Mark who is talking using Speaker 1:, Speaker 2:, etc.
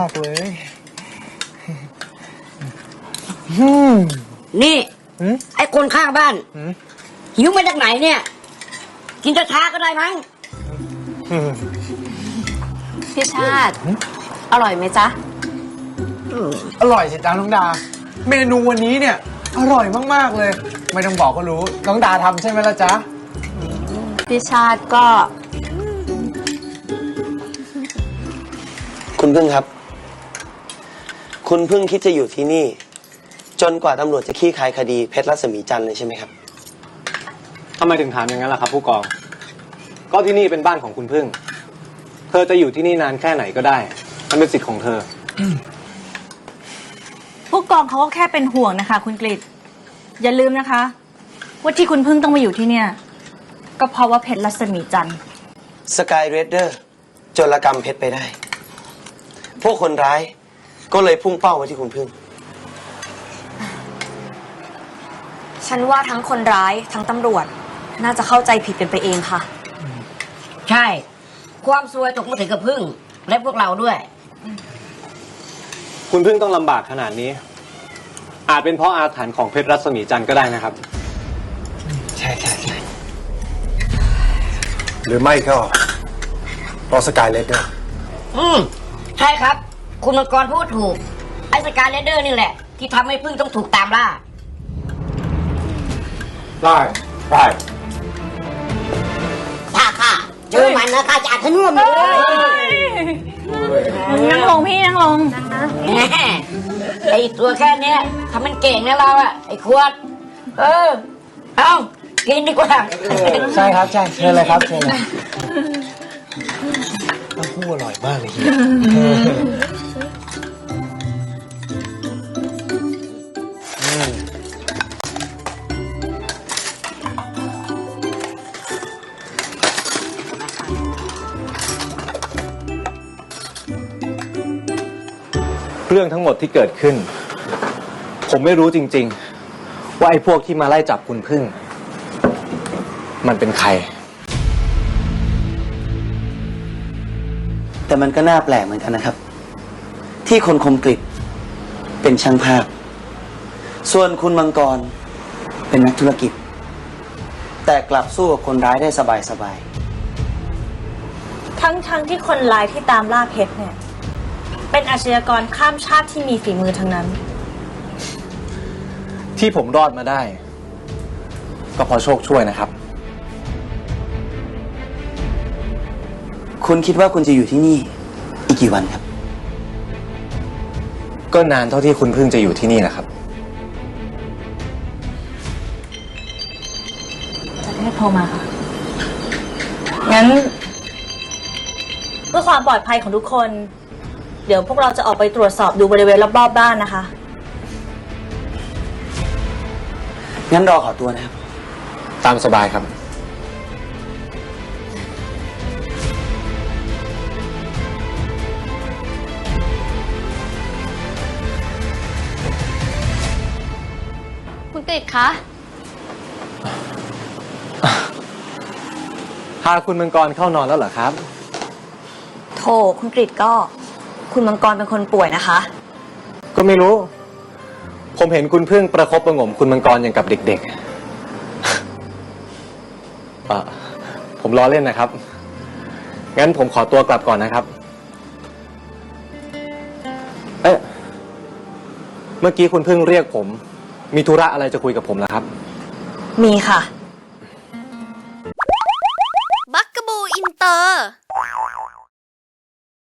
Speaker 1: ากเลย
Speaker 2: นี่ไอ้คนข้างบ้านหิวมาจากไหนเนี่ย กินช้าๆก็ได้มั้ง
Speaker 3: พี่ชาติอร่อยไหมจ๊ะ
Speaker 1: อร่อยสิจ้าน้องดาเมนูวันนี้เนี่ยอร่อยมากๆเลยไม่ต้องบอกก็รู้น้องดาทำใช่ไหมล่ะจ๊ะ
Speaker 3: พี่ชาติก็
Speaker 4: คุณพึ่งครับคุณพึ่งคิดจะอยู่ที่นี่จนกว่าตำรวจจะคลี่คลายคดีเพชรรัศมีจันทร์เลยใช่ไหมครับ
Speaker 5: ทำไมถึงถามอย่างนั้นล่ะครับผู้กองก็ที่นี่เป็นบ้านของคุณพึ่งเธอจะอยู่ที่นี่นานแค่ไหนก็ได้มันเป็นสิทธิ์ของเธอ
Speaker 6: ผู้กองเขาก็แค่เป็นห่วงนะคะคุณกฤษอย่าลืมนะคะว่าที่คุณพึ่งต้องมาอยู่ที่เนี่ยก็เพราะว่าเพชรรัศมีจันทร์
Speaker 4: สกายเรดเดอร์โจรกรรมเพชรไปได้พวกคนร้ายก็เลยพุ่งเป้ามาที่คุณพึ่ง
Speaker 3: ฉันว่าทั้งคนร้ายทั้งตำรวจน่าจะเข้าใจผิดกันไปเองค่ะ
Speaker 2: ใช่ความซวยตกมาถึงกับพึ่งและพวกเราด้วย
Speaker 5: คุณพึ่งต้องลำบากขนาดนี้อาจเป็นเพราะอาถรรพ์ของเพชรรัศมีจันทร์ก็ได้นะครับ
Speaker 1: ใช่ใช่ใช่
Speaker 7: หรือไม่ก็เพราะสกายเลดเดอร์
Speaker 2: ใช่ครับคุณมังกรพูดถูกไอ้สกายเลดเดอร์นี่แหละที่ทำให้พึ่งต้องถูกตามล่า
Speaker 7: ได้
Speaker 2: ข้าเจอมันนะข้าจะอัดทะนุ่มเลย
Speaker 6: นั่งลงพี่นั่งลง
Speaker 2: ไอ้ตัวแค่เนี้ยทำมันเก่งนะเราอะไอ้ขวดเอากินดีกว่า
Speaker 1: ใช่ครับใช่เชิญเลยครับเชิญเลยเต้าหู้อร่อยมากเลยเฮีย
Speaker 5: เรื่องทั้งหมดที่เกิดขึ้นผมไม่รู้จริงๆว่าไอ้พวกที่มาไล่จับคุณพึ่งมันเป็นใคร
Speaker 4: แต่มันก็น่าแปลกเหมือนกันนะครับที่คนคมกริบเป็นช่างภาพส่วนคุณมังกรเป็นนักธุรกิจแต่กลับสู้กับคนร้ายได้สบาย
Speaker 6: ทั้งที่คนร้ายที่ตามล่าเพชรเนี่ยเป็นอาชญากรข้ามชาติที่มีฝีมือทั้งนั้น
Speaker 5: ที่ผมรอดมาได้ก็เพราะโชคช่วยนะครับ
Speaker 4: คุณคิดว่าคุณจะอยู่ที่นี่อีกกี่วันครับ
Speaker 5: ก็นานเท่าที่คุณพึ่งจะอยู่ที่นี่นะครับ
Speaker 6: จะได้โทรมาค่ะงั้นเพื่อความปลอดภัยของทุกคนเดี๋ยวพวกเราจะออกไปตรวจสอบดูบริเวณรอบๆบ้านนะคะ
Speaker 4: งั้นรอขอตัวนะครับ
Speaker 5: ตามสบายครับ
Speaker 3: คุณกฤษคะ
Speaker 5: พาคุณมังกรเข้านอนแล้วเหรอครับ
Speaker 3: โถคุณกฤษก็คุณมังกรเป็นคนป่วยนะคะ
Speaker 5: ก็ไม่รู้ผมเห็นคุณพึ่งประคบประหงมคุณมังกรอย่างกับเด็กๆผมล้อเล่นนะครับงั้นผมขอตัวกลับก่อนนะครับเมื่อกี้คุณพึ่งเรียกผมมีธุระอะไรจะคุยกับผมเหรอครับ
Speaker 3: มีค่ะ